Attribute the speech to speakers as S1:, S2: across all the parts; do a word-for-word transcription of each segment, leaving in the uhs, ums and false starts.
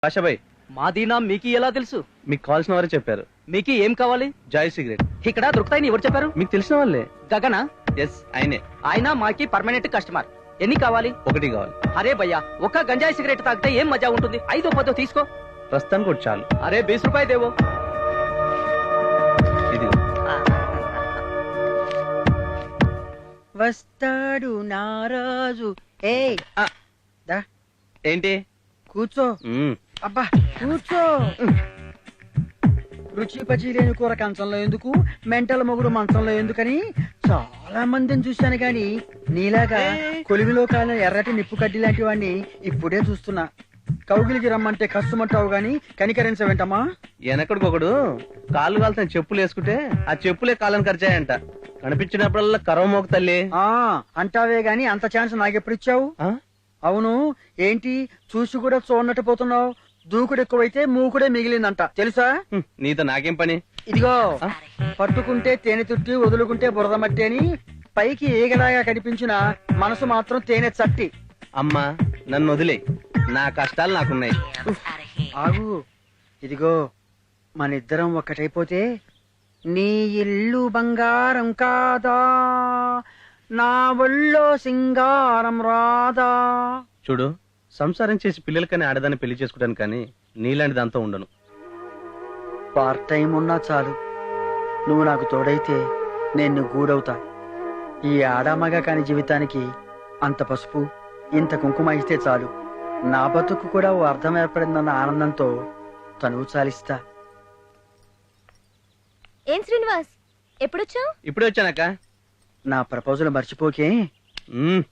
S1: ఆశాబాయ్,
S2: మాది నా మీకు ఎలా తెలుసు?
S1: మీకు కావాల్సిన వారే చెప్పారు.
S2: మీకు ఏం కావాలి?
S1: జాయ్ సిగరెట్
S2: ఇక్కడ దొరుకుతాయని ఎవరు చెప్పారు?
S1: మీకు తెలిసిన వాళ్ళే.
S2: గగన?
S1: ఎస్, ఆయనే.
S2: ఆయన మాకి పర్మనెంట్ కస్టమర్. ఎన్ని కావాలి?
S1: ఒకటి కావాలి.
S2: అరే భయ్యా, ఒక్క గంజాయి సిగరెట్ తాగితే ఏం మజా ఉంటుంది? ఐదో పదో తీసుకో.
S1: ప్రస్తుతానికి ఒకటి చాలు.
S2: అరే బీస్ రూపాయి దేవో.
S1: ఇది
S3: వస్తాడు నారాజు. ఏ
S1: ఏంటి?
S3: కూర్చో.
S1: మ్మ్.
S3: అబ్బా కూర్చో. రుచి పచి లేని కూర కంచంలో ఎందుకు, మెంటల మొగుడు మంచంలో ఎందుకని చాలా మందిని చూశాను గాని నీలాగా కొలిమిలో కాలిన ఎర్రటి నిప్పు కడ్డి లాంటి వాడిని ఇప్పుడే చూస్తున్నా. కౌగిలికి రమ్మంటే కష్టమంటావు గాని కనికరించవేంటమ్మా?
S1: వెనకడికొకడు కాళ్ళు కాలుతున్న చెప్పులు వేసుకుంటే ఆ చెప్పులే కాళ్ళని ఖర్చాయంట. కనిపించినప్పుడల్లా కరవ మోక తల్లి
S3: ఆ అంటావే గాని అంత ఛాన్స్ నాకెప్పుడు ఇచ్చావు?
S1: ఆ?
S3: అవును, ఏంటి చూసి కూడా చూడనట్టు పోతున్నావు? దూకుడు ఎక్కువైతే మూకుడే మిగిలిందంట తెలుసా?
S1: హ్మ్, నీతో నాకేం పని?
S3: ఇదిగో, పట్టుకుంటే తేనె తుట్టి వదులుకుంటే బురద మట్టి అని పైకి ఏగలాగా కనిపించిన మనసు మాత్రం తేనె చట్టి.
S1: అమ్మా నన్ను వదిలే, నా కష్టాలు నాకున్నాయి.
S3: ఆగు, ఇదిగో మనిద్దరం ఒక్కటైపోతే నీ ఇల్లు బంగారం కాదా, నా ఒళ్ళో సింగారం రాదా.
S1: చూడు, సంసారం చేసి పిల్లలకని ఆడదాన్ని పెళ్లి చేసుకుంటాను కానీ నీలాంటి దాంతో ఉండను.
S3: పార్ట్ టైం ఉన్నా చాలు, నువ్వు నాకు తోడైతే నేను గూడవుతా. ఈ ఆడామగా కాని జీవితానికి అంత పసుపు ఇంత కుంకుమ ఇస్తే చాలు. నా బతుకు కూడా ఓ అర్థం ఏర్పడిందన్న ఆనందంతో తనువు చాలిస్తా.
S4: ఏం శ్రీనివాస్, ఎప్పుడొచ్చావు?
S1: ఇప్పుడే వచ్చానక్క.
S3: నా ప్రపోజల్ మర్చిపోకే.
S1: మ్మ్.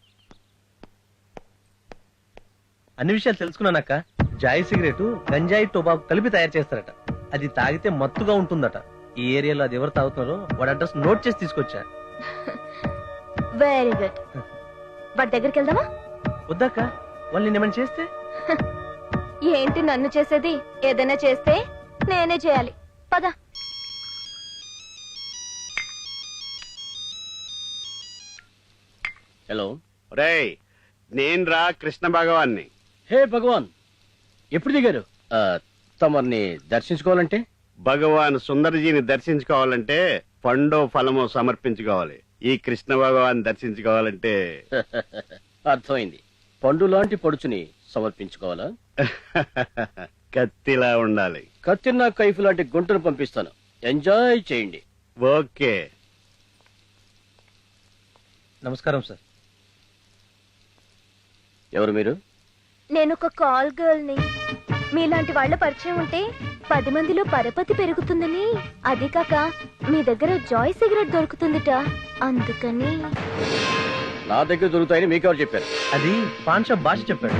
S1: అన్ని విషయాలు తెలుసుకున్నానక్క. జాయ్ సిగరెట్ గంజాయి టొబాకు కలిపి తయారు చేస్తారట. అది తాగితే మత్తుగా ఉంటుందట. ఈ ఏరియాలో అది ఎవరు తాగుతున్నారో వాడి అడ్రస్ నోట్ చేసి తీసుకొచ్చా.
S4: Very good. వాడి దగ్గరికి వెళ్దామా?
S1: వద్దాక, వాళ్ళు నిన్నేమని చేస్తే?
S4: ఏంటి నన్ను చేసేది? ఏదైనా చేస్తే నేనే చేయాలి. పద.
S5: హలో
S6: రేయ్, నేను రా కృష్ణ భగవాన్ని.
S5: హే భగవాన్, ఎప్పుడు దిగారు? తమర్ని దర్శించుకోవాలంటే?
S6: భగవాన్ సుందరజీని దర్శించుకోవాలంటే పండో ఫలమో సమర్పించుకోవాలి. ఈ కృష్ణ భగవాన్ దర్శించుకోవాలంటే
S5: అర్థమైంది. పండు లాంటి పడుచుని సమర్పించుకోవాలా?
S6: కత్తిలా ఉండాలి.
S5: కత్తిన్నా కైఫ్ లాంటి గుంటను పంపిస్తాను, ఎంజాయ్ చేయండి.
S6: ఓకే.
S1: నమస్కారం సార్.
S5: ఎవరు మీరు?
S4: నేను ఒక కాల్ గర్ల్ ని. మీలాంటి వాళ్ళ పరిచయం ఉంటే పది మందిలో పరపతి పెరుగుతుందని, అది కాక మీ దగ్గర జాయ్ సిగరెట్ దొరుకుతుందిట, అందుకని.
S5: నా దగ్గర దొరుకుతాయని మీకెవరు చెప్పారు?
S1: అది పాన్ షాప్ భాష చెప్పాడు.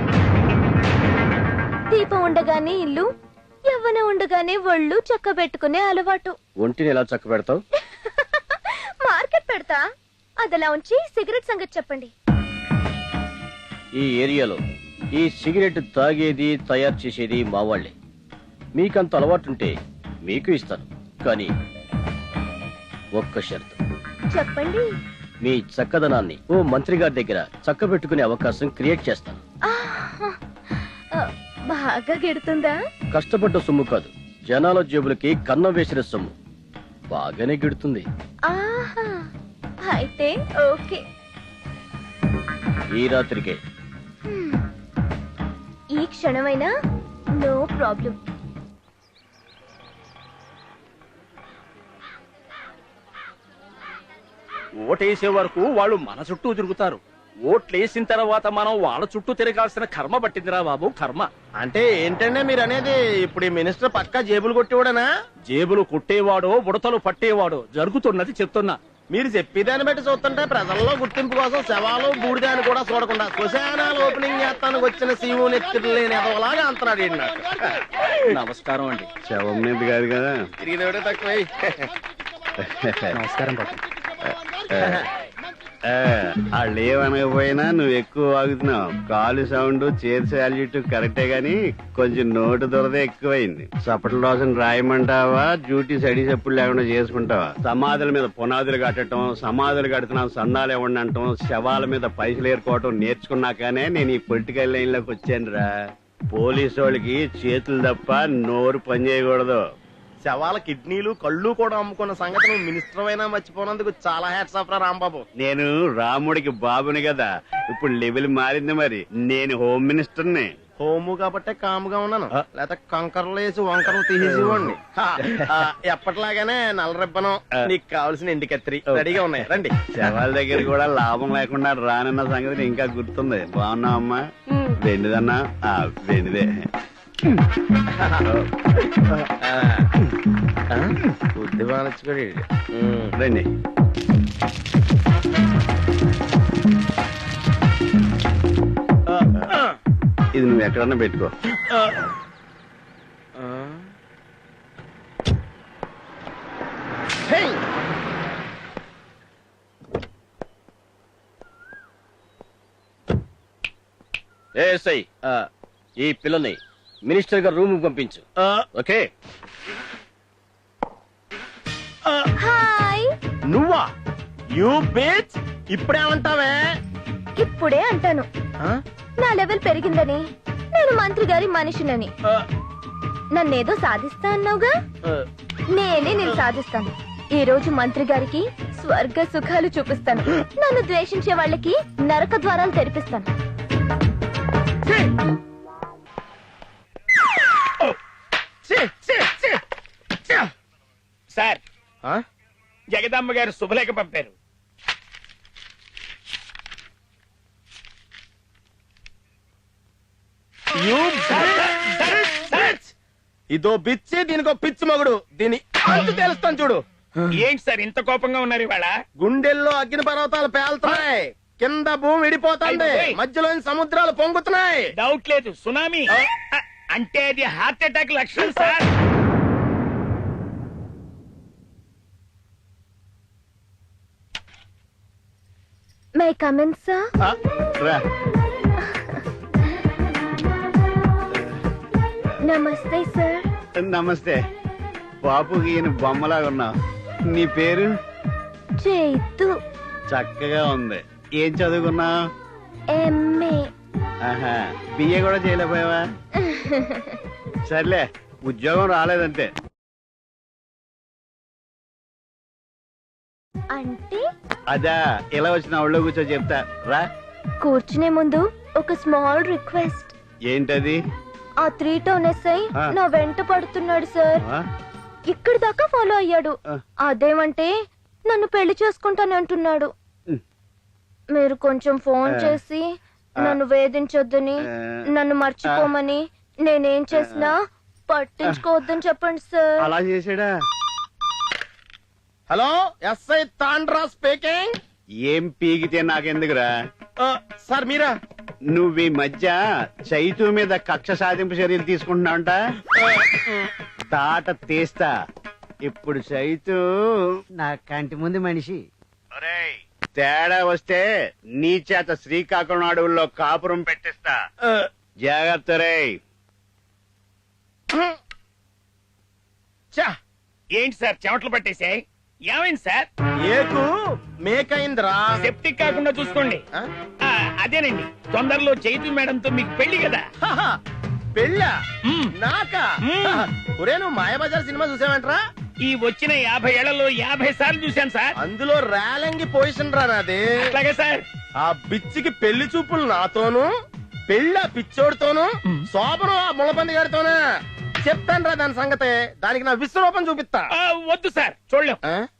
S4: దీపం ఉండగానే ఇల్లు, యవ్వన ఉండగానే ఒళ్ళు చక్క పెట్టుకునే అలవాటు.
S5: ఒంటిని ఎలా చక్క పెడతావు?
S4: మార్కెట్ పెడతా. అదలా ఉంచి సిగరెట్ సంగతి చెప్పండి.
S5: ఈ ఏరియాలో ఈ సిగరెట్ తాగేది తయారు చేసేది మా వాళ్లే. మీకంత అలవాటుంటే మీకు ఇస్తాను, కానీ ఒక్క షరతు.
S4: చెప్పండి.
S5: మీ చక్కదనాన్ని ఓ మంత్రి గారి దగ్గర చక్క పెట్టుకునే అవకాశం క్రియేట్ చేస్తాను.
S4: ఆహా, ఆ, బాగా గిడుతుందా?
S5: కష్టపడ్డ సొమ్ము కాదు, జనాల జేబులకి కన్నం వేసిన సొమ్ము. బాగానే గిడుతుంది.
S4: ఆహా, అయితే ఓకే.
S5: ఈ రాత్రికే.
S4: హ్మ్. ఈ క్షణమైనా నో ప్రాబ్లం.
S7: ఓటేసే వరకు వాళ్ళు మన చుట్టూ తిరుగుతారు. ఓట్లేసిన తర్వాత మనం వాళ్ళ చుట్టూ తిరగాల్సిన కర్మ పట్టిందిరా బాబు, కర్మ.
S8: అంటే ఏంటంటే మీరు అనేది? ఇప్పుడు ఈ మినిస్టర్ పక్కా జేబులు కొట్టేవాడనా?
S7: జేబులు కొట్టేవాడో బుడతలు పట్టేవాడో జరుగుతున్నది చెప్తున్నా.
S8: మీరు చెప్పేదాన్ని బట్టి చూస్తుంటే ప్రజల్లో గుర్తింపు కోసం శవాలు బూడిదాన్ని కూడా చూడకుండా శ్మశానాలు ఓపెనింగ్ చేస్తానికి వచ్చిన సీఓ నెత్తులు లేని ఎదవలాగా అంటున్నాడు ఈయన నాకు.
S7: నమస్కారం అండి.
S6: శవం మీద కాదు కదా.
S8: తిరిగినోడే తక్కువ.
S1: నమస్కారం బాబు.
S6: వాళ్ళు ఏమనకపోయినా నువ్వు ఎక్కువ వాగుతున్నావు. కాలు సౌండ్ చేతి సాల్యూట్ కరెక్టే గాని కొంచెం నోటు దొరద ఎక్కువైంది. సపట్ల రోజున రాయమంటావా, డ్యూటీ సడి చెప్పులు లేకుండా చేసుకుంటావా? సమాధుల మీద పునాదులు కట్టడం, సమాధులు కడుతున్నాం సందాలు ఇవ్వండి అంటాం, శవాల మీద పైసలు ఏరుకోవటం నేర్చుకున్నాకనే నేను ఈ పొలిటికల్ లైన్ లోకి వచ్చాను రా. పోలీసు వాళ్ళకి చేతులు తప్ప నోరు పని చేయకూడదు.
S8: శవాల కిడ్నీలు కళ్ళు కూడా అమ్ముకున్న సంగతి నువ్వు మినిస్టర్ అయినా మర్చిపోయినందుకు చాలా హ్యాట్స్ ఆఫ్ రా రాంబాబు.
S6: నేను రాముడికి బాబుని కదా, ఇప్పుడు లెవెల్ మారింది. మరి నేను హోమ్ మినిస్టర్ని.
S8: హోము కాబట్టే కాముగా ఉన్నాను, లేకపోతే కంకర్లు వేసి వంకరలు తీసేసేవాడిని. హా, ఆ, ఎప్పటిలాగానే నల్ల రిబ్బనం, నీకు కావాల్సిన ఎండి కత్తిరి రెడీగా ఉన్నాయి, రండి.
S6: శవాల దగ్గర కూడా లాభం లేకుండా రానన్న సంగతి ఇంకా గుర్తుంది. బాగున్నావమ్మా? వెండిదన్నా? ఆ, వెండిదే.
S8: బుద్ధి బాగా
S6: రండి. ఇది నువ్వు ఎక్కడన్నా పెట్టుకో.
S5: ఏసై ఈ పిల్లని మినిస్టర్ గారు రూమ్ పంపించు. ఓకే.
S4: హాయ్.
S8: నువ్వా? యూ బీచ్ ఇప్పుడేమంటావే?
S4: ఇప్పుడే అంటాను, నా లెవెల్ పెరిగిందని, నేను మంత్రి గారి మనిషినని. నన్నేదో సాధిస్తా అన్నావుగా, నేనే నేను సాధిస్తాను. ఈ రోజు మంత్రి గారికి స్వర్గ సుఖాలు చూపిస్తాను. నన్ను ద్వేషించే వాళ్ళకి నరక ద్వారాలు తెరిపిస్తాను.
S7: సార్, జగదమ్మ గారు శుభలేఖ పంపారు.
S8: ఇదో బిచ్చి, దీనికో పిచ్చి మగుడు. దీని అంతు తెలుస్తాను చూడు.
S7: ఏంటి సార్ ఇంత కోపంగా ఉన్నారు ఇవాళ?
S8: గుండెల్లో అగ్ని పర్వతాలు పేలుతున్నాయి, కింద భూమి విడిపోతుంది, మధ్యలో సముద్రాలు పొంగుతున్నాయి.
S7: డౌట్ లేదు, సునామీ. అంటే అది హార్ట్ అటాక్ లక్షణం సార్.
S4: May come in sir?
S6: రా.
S4: నమస్తే సార్.
S6: నమస్తే. బాపుకి ఈయన బొమ్మలాగా ఉన్నావు. నీ పేరు?
S4: చైతు.
S6: చక్కగా ఉంది. ఏం చదువుకున్నావు?
S4: ఎంఏ.
S6: ఆహా, బిఏ కూడా చేయలేకపోయావా? సర్లే, ఉద్యోగం రాలేదంటే.
S4: అంటే
S6: అదా, ఇలా వచ్చిన ఒళ్ళో కూర్చో చెప్తా రా.
S4: కూర్చునే ముందు ఒక స్మాల్ రిక్వెస్ట్.
S6: ఏంటది?
S4: ఆ త్రీ టౌన్ ఎస్ఐ నా వెంట పడుతున్నాడు సార్. ఇక్కడి దాకా ఫాలో అయ్యాడు. అదేమంటే నన్ను పెళ్లి చేసుకుంటాను అంటున్నాడు. మీరు కొంచెం ఫోన్ చేసి నన్ను వేధించొద్దని, నన్ను మర్చిపోమని, నేనేం చేసినా పట్టించుకోవద్దని చెప్పండి సార్.
S6: అలా చేసాడా?
S8: Hello, SI Tandra speaking.
S6: ఏం పీకితే నాకెందుకురా?
S8: సార్ మీరా?
S6: నువ్వు ఈ మధ్య చైతు మీద కక్ష సాధింపు చర్యలు తీసుకుంటున్నావంట. తాట తీస్తా. ఇప్పుడు చైతు
S3: నా కంటి ముందు మనిషి.
S6: తేడా వస్తే నీ చేత శ్రీకాకుళం అడవుల్లో కాపురం పెట్టిస్తా. జాగ్రత్త రే.
S7: ఏంటి సార్ చెమటలు పట్టేసాయి? ఏమైంది సార్?
S8: ఏకు మేకైందిరా.
S7: సెప్టిక్ కాకుండా చూసుకోండి. ఆ, అదేనండి, తొందరలో చైతు మేడంతో మీకు పెళ్లి కదా.
S8: పెళ్ళా?
S7: మ్మ్.
S8: నాకా?
S7: మ్మ్.
S8: ఒరే, నువ్వు మాయాబజార్ సినిమా చూసావంటరా?
S7: ఈ వచ్చిన యాభై ఏళ్లలో యాభై సార్లు చూశాను సార్.
S8: అందులో రేలంగి పొజిషన్ రా నాది.
S7: అట్లాగే సార్.
S8: ఆ బిచ్చికి పెళ్లి చూపులు నాతోను, పెళ్ళ పిచ్చోడితోను, శోభను ఆ ముళ్ళపంది గారితోనా. చెప్తాను రా దాని సంగతే. దానికి నా విశ్వరూపం చూపిస్తా.
S7: ఆ, వద్దు సార్, చూడలేం.
S8: ఆ?